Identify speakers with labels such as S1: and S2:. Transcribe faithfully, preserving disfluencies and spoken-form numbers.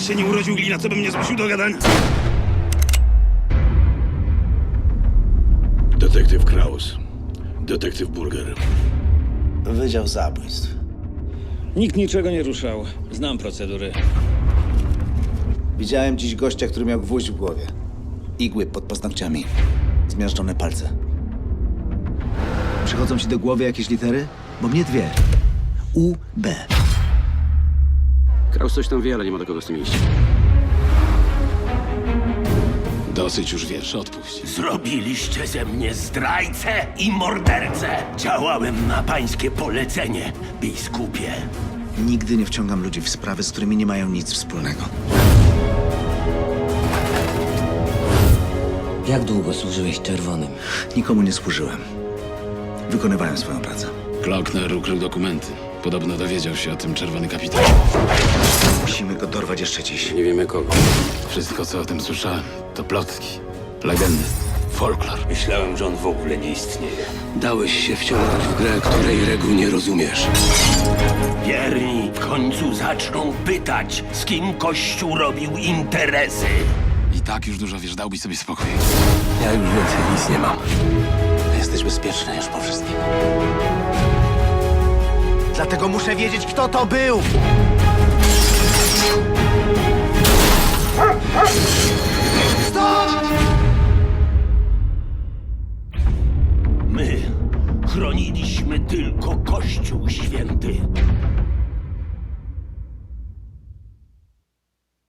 S1: się nie urodził glina, co by mnie zmusił do gadania.
S2: Detektyw Kraus. Detektyw Burger.
S3: Wydział Zabójstw.
S4: Nikt niczego nie ruszał. Znam procedury.
S3: Widziałem dziś gościa, który miał gwóźdź w głowie. Igły pod paznokciami. Zmiażdżone palce. Przychodzą ci do głowy jakieś litery? Bo mnie dwie. U, B.
S5: Kraus coś tam wie, ale nie ma do kogo z tym iść.
S2: Dosyć już wierszy, odpuść.
S6: Zrobiliście ze mnie zdrajcę i mordercę. Działałem na pańskie polecenie, biskupie.
S3: Nigdy nie wciągam ludzi w sprawy, z którymi nie mają nic wspólnego.
S7: Jak długo służyłeś czerwonym?
S3: Nikomu nie służyłem. Wykonywałem swoją pracę.
S2: Klockner ukrył dokumenty. Podobno dowiedział się o tym czerwony kapitan.
S3: Musimy go dorwać jeszcze dziś.
S5: Nie wiemy kogo.
S2: Wszystko, co o tym słyszałem, to plotki, legendy, folklor.
S6: Myślałem, że on w ogóle nie istnieje.
S5: Dałeś się wciągnąć w grę, której reguł nie rozumiesz.
S6: Wierni w końcu zaczną pytać, z kim Kościół robił interesy.
S2: I tak już dużo wiesz, dałbyś sobie spokój.
S5: Ja już więcej nic nie mam.
S3: Jesteś bezpieczny już po wszystkim. Dlatego muszę wiedzieć, kto to był!